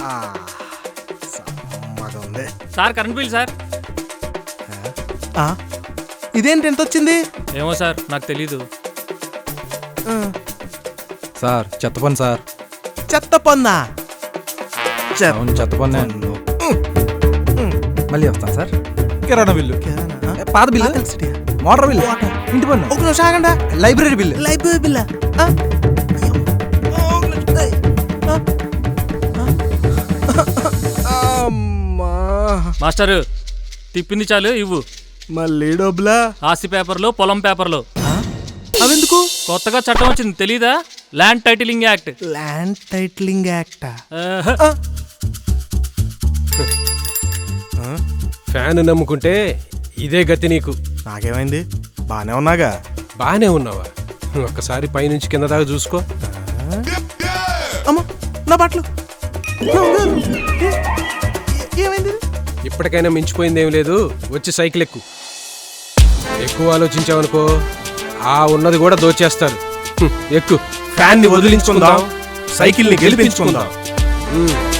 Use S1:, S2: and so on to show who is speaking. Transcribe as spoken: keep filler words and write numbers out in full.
S1: Sir current bill sir.
S2: ఇదేంటి ఎంత వచ్చింది?
S1: ఏమో సార్ నాకు తెలీదు.
S3: సార్ చెత్త పన్ను సార్.
S2: చెత్త పన్నా?
S3: అవును చెత్త పన్ను. మళ్ళీ వస్తాను సార్. కిరాణా బిల్లు, పాత బిల్లు, మోటార్ బిల్లు, ఇంటి పన్ను.
S2: ఒక నిమిషం ఆగండి.
S3: Library bill.
S2: లైబ్రరీ బిల్లా?
S1: మాస్టర్ తిప్పింది చాలు ఇవ్వు.
S2: మళ్ళీ డబ్బులా?
S1: ఆస్తి పేపర్లు, పొలం పేపర్లు.
S2: అవెందుకు?
S1: కొత్తగా చట్టం వచ్చింది తెలీదా? Land titling act.
S2: Land titling యాక్టా?
S4: ఫ్యాన్ నమ్ముకుంటే ఇదే గతి నీకు.
S2: నాకేమైంది? బానే ఉన్నాగా.
S4: బానే ఉన్నావా? ఒక్కసారి పైనుంచి కింద దాకా చూసుకో.
S2: అమ్మా నా బట్టలు. ఏమైంది?
S4: ఇప్పటికైనా మించిపోయిందేం లేదు. వచ్చి సైకిల్ ఎక్కు. ఎక్కువ ఆలోచించావనుకో ఆ ఉన్నది కూడా దోచేస్తారు. ఎక్కు. ఫ్యాన్ ని వదిలించుకుందాం, సైకిల్ ని గెలిపించుకుందాం.